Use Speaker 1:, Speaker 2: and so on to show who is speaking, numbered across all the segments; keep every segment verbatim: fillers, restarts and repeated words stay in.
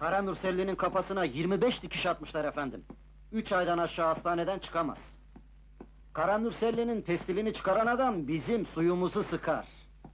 Speaker 1: Kara Nurselli'nin kafasına yirmi beş dikiş atmışlar efendim. Üç aydan aşağı hastaneden çıkamaz. Kara Nurselli'nin pestilini çıkaran adam bizim suyumuzu sıkar.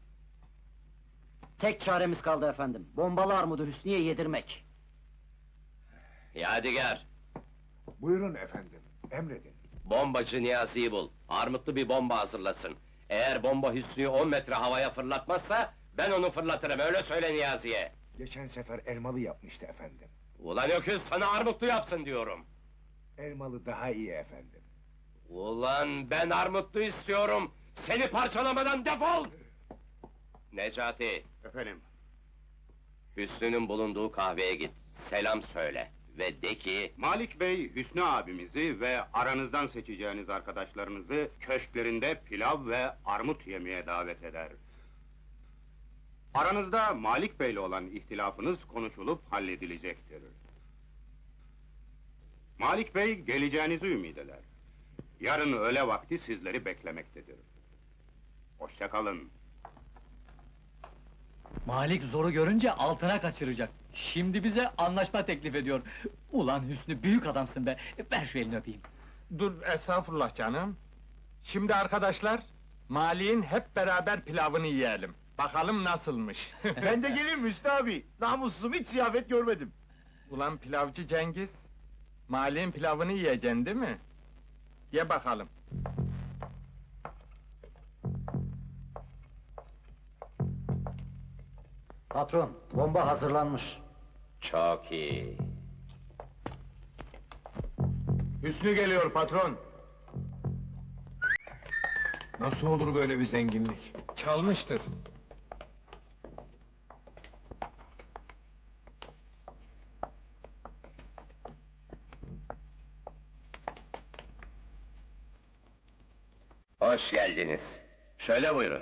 Speaker 1: Tek çaremiz kaldı efendim. Bombalı armudu Hüsnü'ye yedirmek.
Speaker 2: Yadigar,
Speaker 3: Buyurun efendim, emredin.
Speaker 2: bombacı Niyazi'yi bul. Armutlu bir bomba hazırlasın. Eğer bomba Hüsnü'yü on metre havaya fırlatmazsa, ben onu fırlatırım, öyle söyle Niyazi'ye.
Speaker 3: Geçen sefer elmalı yapmıştı efendim.
Speaker 2: Ulan öküz, sana armutlu yapsın diyorum.
Speaker 3: Elmalı daha iyi efendim.
Speaker 2: Ulan ben armutlu istiyorum! Seni parçalamadan defol! Necati,
Speaker 4: Efendim,
Speaker 2: Hüsnü'nün bulunduğu kahveye git, selam söyle. Ve de ki,
Speaker 4: Malik Bey, Hüsnü abimizi ve aranızdan seçeceğiniz arkadaşlarınızı köşklerinde pilav ve armut yemeye davet eder. Aranızda Malik Bey'le olan ihtilafınız konuşulup halledilecektir. Malik Bey, geleceğinizi ümid eder. Yarın öğle vakti sizleri beklemektedir. Hoşça kalın.
Speaker 5: Malik zoru görünce altına kaçıracak. Şimdi bize anlaşma teklif ediyor. Ulan Hüsnü, büyük adamsın be! Ver şu elini öpeyim.
Speaker 6: Dur, estağfurullah canım. Şimdi arkadaşlar, Malik'in hep beraber pilavını yiyelim. Bakalım nasılmış.
Speaker 7: Ben de gelirim Hüsnü abi. Namussuzum, hiç ziyafet görmedim.
Speaker 6: Ulan pilavcı Cengiz, Malik'in pilavını yiyeceksin değil mi? Ye bakalım.
Speaker 1: Patron, bomba hazırlanmış.
Speaker 2: çok iyi.
Speaker 7: Hüsnü geliyor patron.
Speaker 3: Nasıl olur böyle bir zenginlik?
Speaker 6: Çalmıştır.
Speaker 2: Hoş geldiniz. Şöyle buyurun.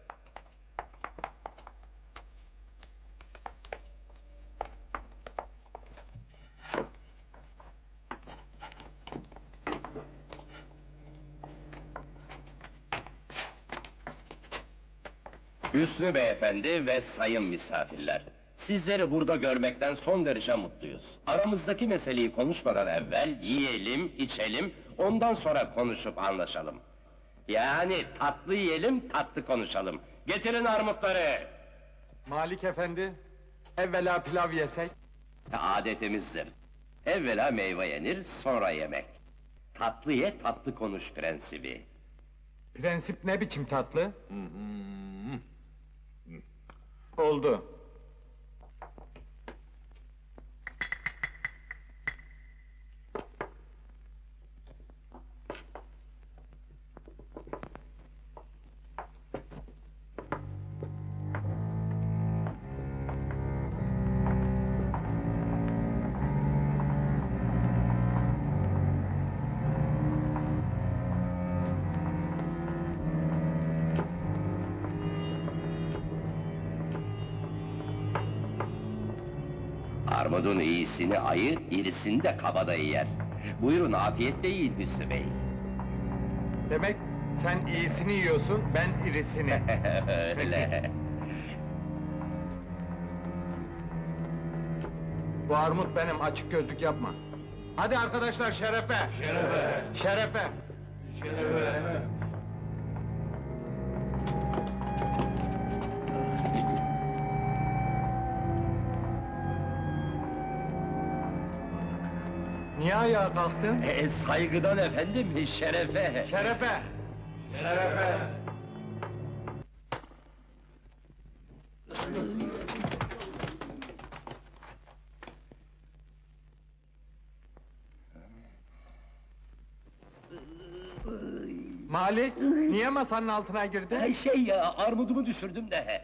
Speaker 2: Hüsnü beyefendi ve sayın misafirler, sizleri burada görmekten son derece mutluyuz. Aramızdaki meseleyi konuşmadan evvel yiyelim, içelim, ondan sonra konuşup anlaşalım. Yani tatlı yiyelim, tatlı konuşalım. Getirin armutları!
Speaker 6: Malik efendi, evvela pilav yesek.
Speaker 2: Adetimizdir. Evvela meyve yenir, sonra yemek. Tatlı ye, tatlı konuş prensibi.
Speaker 6: Prensip ne biçim tatlı? Oldu.
Speaker 2: Armudun iyisini ayı, irisini de kabadayı yer. Buyurun afiyetle yiyin Hüsnü Bey.
Speaker 6: Demek sen iyisini yiyorsun, ben irisini.
Speaker 2: Öyle.
Speaker 6: Bu armut benim, açık gözlük yapma. Hadi arkadaşlar, şerefe! Şerefe! Şerefe! Niye ayağa kalktın?
Speaker 2: E, saygıdan efendim, şerefe!
Speaker 6: Şerefe! Malik, niye masanın altına girdin?
Speaker 2: Ay, Şey ya, armudumu düşürdüm de.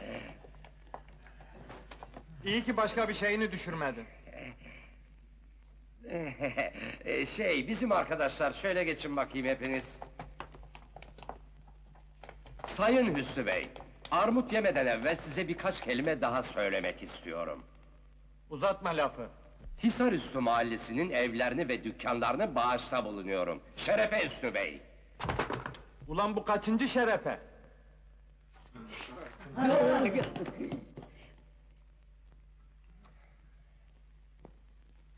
Speaker 6: İyi ki başka bir şeyini düşürmedin.
Speaker 2: E, şey, bizim arkadaşlar, şöyle geçin bakayım hepiniz. Sayın Hüsnü Bey, armut yemeden evvel size birkaç kelime daha söylemek istiyorum.
Speaker 6: Uzatma lafı.
Speaker 2: Hisarüstü mahallesinin evlerini ve dükkanlarını bağışta bulunuyorum. Şerefe Hüsnü Bey!
Speaker 6: Ulan bu kaçıncı şerefe?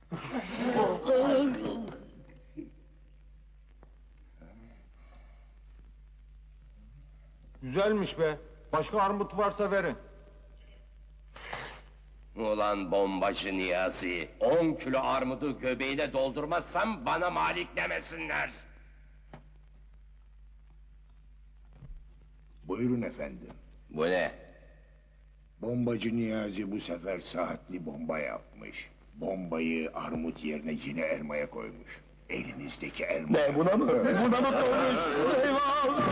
Speaker 6: Güzelmiş be. Başka armut varsa verin.
Speaker 2: Ulan bombacı Niyazi, on kilo armudu göbeğine doldurmazsam bana malik demesinler.
Speaker 3: Buyurun efendim.
Speaker 2: Bu ne?
Speaker 3: Bombacı Niyazi bu sefer saatli bomba yapmış. Bombayı armut yerine yine elmaya koymuş. Elinizdeki elma. Ne buna mı? Buna mı koymuş? Eyvah!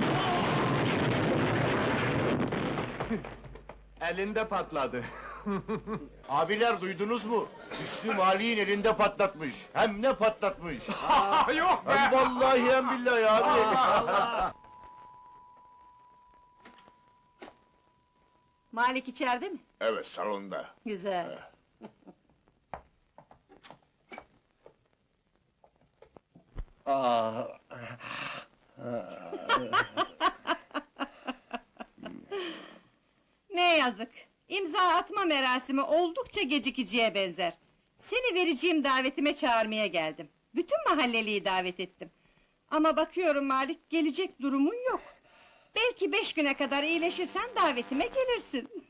Speaker 6: Elinde patladı.
Speaker 7: Abiler duydunuz mu? Hüsnü Mali'nin elinde patlatmış. Hem ne patlatmış?
Speaker 6: Yok
Speaker 7: Hem vallahi hem billahi abi.
Speaker 8: Malik içeride mi?
Speaker 3: Evet, salonda.
Speaker 8: Güzel.
Speaker 2: Ah,
Speaker 8: Ne yazık. İmza atma merasimi oldukça gecikiciye benzer. Seni vereceğim davetime çağırmaya geldim. Bütün mahalleliyi davet ettim. Ama bakıyorum Malik, gelecek durumun yok. Belki beş güne kadar iyileşirsen davetime gelirsin.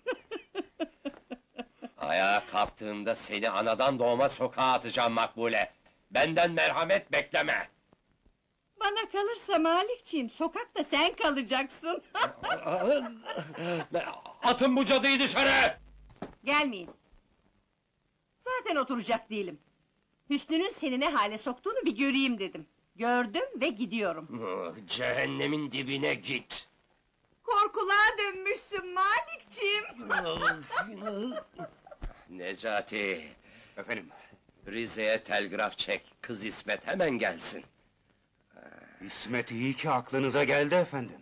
Speaker 2: ayağa kalktığımda seni anadan doğma sokağa atacağım Makbule. Benden merhamet bekleme.
Speaker 8: Bana kalırsa Malikciğim, sokakta sen kalacaksın.
Speaker 2: Atın bu cadıyı dışarı!
Speaker 8: Gelmeyin. Zaten oturacak değilim. Hüsnü'nün seni ne hale soktuğunu bir göreyim dedim. Gördüm ve gidiyorum.
Speaker 2: Cehennemin dibine git.
Speaker 8: Korkuluğa dönmüşsün Malikciğim.
Speaker 2: Necati,
Speaker 4: Efendim,
Speaker 2: Rize'ye telgraf çek, kız İsmet hemen gelsin.
Speaker 4: İsmet iyi ki aklınıza geldi efendim.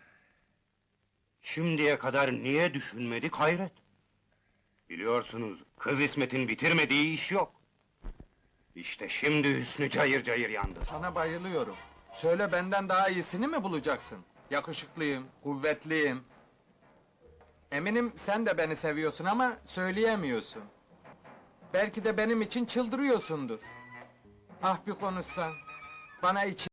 Speaker 4: Şimdiye kadar niye düşünmedik hayret? Biliyorsunuz, kız İsmet'in bitirmediği iş yok. İşte şimdi Hüsnü cayır cayır yandı.
Speaker 6: Sana bayılıyorum. Söyle benden daha iyisini mi bulacaksın? Yakışıklıyım, kuvvetliyim. Eminim sen de beni seviyorsun ama söyleyemiyorsun. Belki de benim için çıldırıyorsundur. Ah bir konuşsan. Bana için